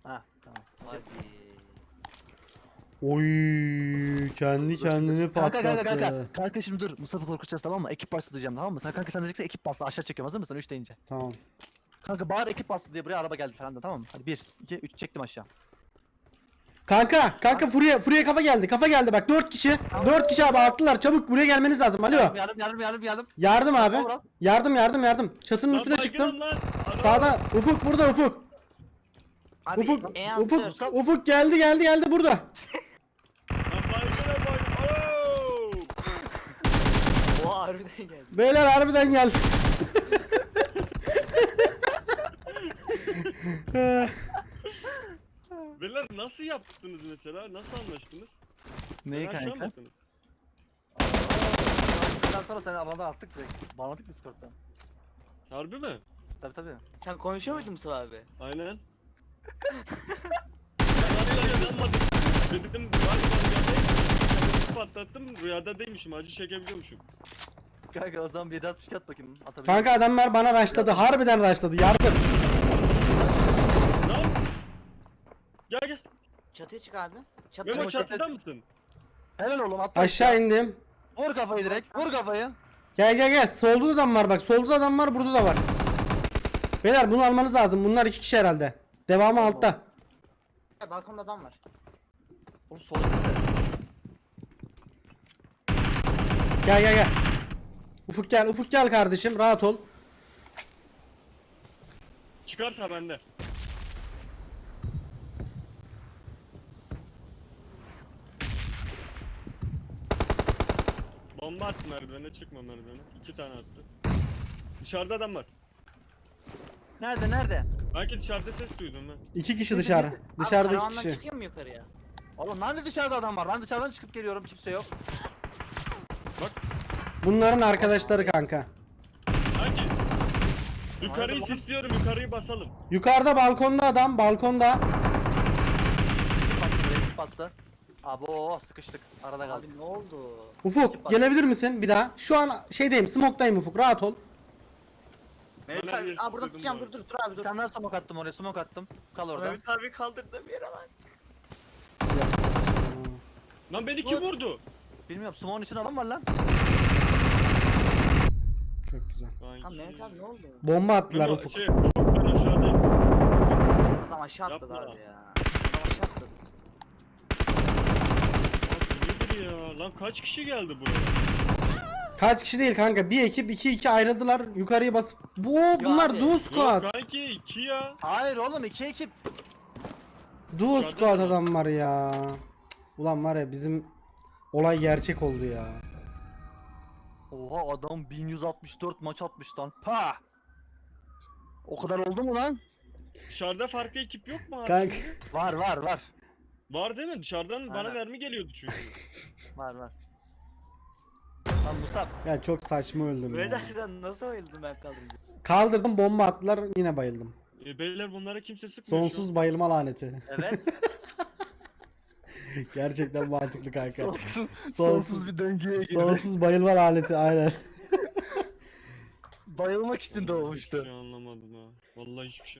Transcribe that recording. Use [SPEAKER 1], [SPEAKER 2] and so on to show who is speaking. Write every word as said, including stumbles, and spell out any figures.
[SPEAKER 1] Ha tamam.
[SPEAKER 2] Hadi.
[SPEAKER 3] Oy kendi kendini
[SPEAKER 1] Kanka
[SPEAKER 3] patlattı.
[SPEAKER 1] kanka kanka. Kanka şimdi dur. Musab'ı korkutacağız tamam mı? Ekip bastı diyeceğim tamam mı? Sen kanka sen diyeceksin ekip bastı. Aşağı çekiyorum hazır mısın? üç deyince.
[SPEAKER 3] Tamam.
[SPEAKER 1] Kanka bağır ekip bastı diye buraya araba geldi falan da tamam mı? Hadi bir, iki, üç çektim aşağı.
[SPEAKER 3] Kanka kanka Fury'e Fury'e kafa geldi. Kafa geldi bak dört kişi. dört kişi abi attılar. Çabuk buraya gelmeniz lazım. Alo.
[SPEAKER 1] Yardım yardım yardım yardım yardım.
[SPEAKER 3] Yardım abi.
[SPEAKER 1] Tamam,
[SPEAKER 3] Yardım yardım yardım. Çatının
[SPEAKER 4] Lan
[SPEAKER 3] üstüne
[SPEAKER 4] baygınım
[SPEAKER 3] çıktım.
[SPEAKER 4] lan. Ana.
[SPEAKER 3] Sağda Ufuk burada Ufuk.
[SPEAKER 2] Abi
[SPEAKER 3] Ufuk
[SPEAKER 2] en alt
[SPEAKER 3] Ufuk
[SPEAKER 2] dört.
[SPEAKER 3] Ufuk geldi geldi geldi burada.
[SPEAKER 4] Lan baygına bak. Oo!
[SPEAKER 2] Oha harbiden geldi.
[SPEAKER 3] Beyler harbiden geldi.
[SPEAKER 4] Beyler nasıl yaptınız mesela? Nasıl anlaştınız?
[SPEAKER 1] Neyi
[SPEAKER 4] Sen aşağı mı
[SPEAKER 1] kanka?
[SPEAKER 4] attınız?
[SPEAKER 1] Ondan sonra seni arada attık direkt. Bağladık Discord'dan.
[SPEAKER 4] Harbi mi?
[SPEAKER 1] Tabi tabi.
[SPEAKER 2] Sen konuşuyor muydun Mustafa abi?
[SPEAKER 4] Aynen. Ben hala inanmadım. Dedim galiba rüyadaymışım. Patlattım rüyada değilmişim. Acı çekebiliyormuşum.
[SPEAKER 1] Kanka o zaman bir yedi altmış at bakayım. Atabilirim.
[SPEAKER 3] Kanka adamlar bana rushladı. Harbiden rushladı. Yardım.
[SPEAKER 4] Lan! Gel gel.
[SPEAKER 2] Çatıya çık abi. Çatıya
[SPEAKER 4] Memo
[SPEAKER 1] Memo,
[SPEAKER 2] çık.
[SPEAKER 4] çatıda mısın?
[SPEAKER 1] Helal oğlum atla.
[SPEAKER 3] Aşağı indim.
[SPEAKER 1] Vur kafayı direkt. Vur kafayı.
[SPEAKER 3] Gel gel gel. Solda da adam var bak. Solda da adam var. Burada da var. Beyler bunu almanız lazım. Bunlar iki kişi herhalde. Devamı altta.
[SPEAKER 2] Balkonda adam var.
[SPEAKER 1] Oğlum solda.
[SPEAKER 3] Gel gel gel. Ufuk gel. Ufuk gel kardeşim. Rahat ol.
[SPEAKER 4] Çıkarsa bende. Bomba attı merdivene, çıkma merdivene. İki tane attı. Dışarıda adam var.
[SPEAKER 1] Nerede nerede?
[SPEAKER 4] Belki dışarıda ses duydum ben.
[SPEAKER 3] İki kişi dışarı.
[SPEAKER 2] Abi,
[SPEAKER 3] Dışarıda iki
[SPEAKER 2] karavandan
[SPEAKER 3] kişi.
[SPEAKER 2] çıkıyor mu yukarıya?
[SPEAKER 1] Oğlum nerede dışarıda adam var? Ben dışarıdan çıkıp geliyorum kimse yok.
[SPEAKER 3] Bunların arkadaşları kanka.
[SPEAKER 4] Hangi? Yukarıyı
[SPEAKER 1] Nerede lan?
[SPEAKER 4] sisliyorum, yukarıyı basalım.
[SPEAKER 3] Yukarıda balkonda adam. Balkonda.
[SPEAKER 1] Bastı direkt bastı. Abo sıkıştık. Arada kaldık.
[SPEAKER 2] Abi ne oldu?
[SPEAKER 3] Ufuk gelebilir misin bir daha? Şu an şeydeyim. Smoke'dayım Ufuk. Rahat ol.
[SPEAKER 2] Mehmet
[SPEAKER 4] Bana
[SPEAKER 2] abi,
[SPEAKER 4] bir
[SPEAKER 2] aa burada
[SPEAKER 4] sıkıntı
[SPEAKER 2] tutacağım
[SPEAKER 4] var.
[SPEAKER 2] dur dur dur abi
[SPEAKER 1] Bir
[SPEAKER 2] dur.
[SPEAKER 1] tane daha smoke attım oraya smoke attım. Kal orada.
[SPEAKER 2] Mehmet abi kaldırdı bir yere lan.
[SPEAKER 4] Lan beni kim vurdu?
[SPEAKER 1] Bilmiyorum smoke'un için adam var lan.
[SPEAKER 3] Çok güzel.
[SPEAKER 4] Ay,
[SPEAKER 2] Lan Mehmet abi ne oldu?
[SPEAKER 3] Bomba attılar
[SPEAKER 4] Memo,
[SPEAKER 3] Ufuk.
[SPEAKER 4] Şey, Ufuk ben aşağıdayım.
[SPEAKER 2] Adam aşağı atladı
[SPEAKER 4] Yapma.
[SPEAKER 2] abi ya. Adam aşağı atladı.
[SPEAKER 4] Abi nedir ya? Lan kaç kişi geldi buraya?
[SPEAKER 3] Kaç kişi değil kanka. Bir ekip iki iki ayrıldılar. Yukarıya basıp. Bu bunlar
[SPEAKER 2] abi.
[SPEAKER 3] duo
[SPEAKER 4] Yok
[SPEAKER 3] squad.
[SPEAKER 4] kanki iki ya.
[SPEAKER 1] Hayır oğlum iki ekip.
[SPEAKER 3] Duo
[SPEAKER 4] Dışarıda
[SPEAKER 3] squad
[SPEAKER 4] mı?
[SPEAKER 3] adam var ya. Cık, ulan var ya bizim olay gerçek oldu ya.
[SPEAKER 1] Oha adam bin yüz altmış dört maç atmış lan. Pa. O kadar oldu mu lan?
[SPEAKER 4] Dışarıda farklı ekip yok mu abi?
[SPEAKER 3] Kanka
[SPEAKER 1] Var var var.
[SPEAKER 4] Var değil mi? Dışarıdan bana
[SPEAKER 1] Aynen.
[SPEAKER 4] mermi geliyordu çünkü.
[SPEAKER 1] Var var. Lan Musab.
[SPEAKER 3] ya çok saçma öldüm
[SPEAKER 2] Mehmet
[SPEAKER 3] ya.
[SPEAKER 2] abi sen nasıl bayıldın ben kaldırınca?
[SPEAKER 3] Kaldırdım bomba attılar yine bayıldım.
[SPEAKER 4] E, beyler bunlara kimse sıkmıyor şu
[SPEAKER 3] Sonsuz bayılma laneti.
[SPEAKER 1] Evet.
[SPEAKER 3] Gerçekten mantıklı kanka.
[SPEAKER 1] sonsuz,
[SPEAKER 3] Sonsuz-
[SPEAKER 1] sonsuz bir döngüye girdi.
[SPEAKER 3] Sonsuz bayılma laneti aynen.
[SPEAKER 1] Bayılmak için
[SPEAKER 4] an.
[SPEAKER 1] doğmuştu.
[SPEAKER 4] Hiçbir şey anlamadım ha. Vallahi hiçbir şey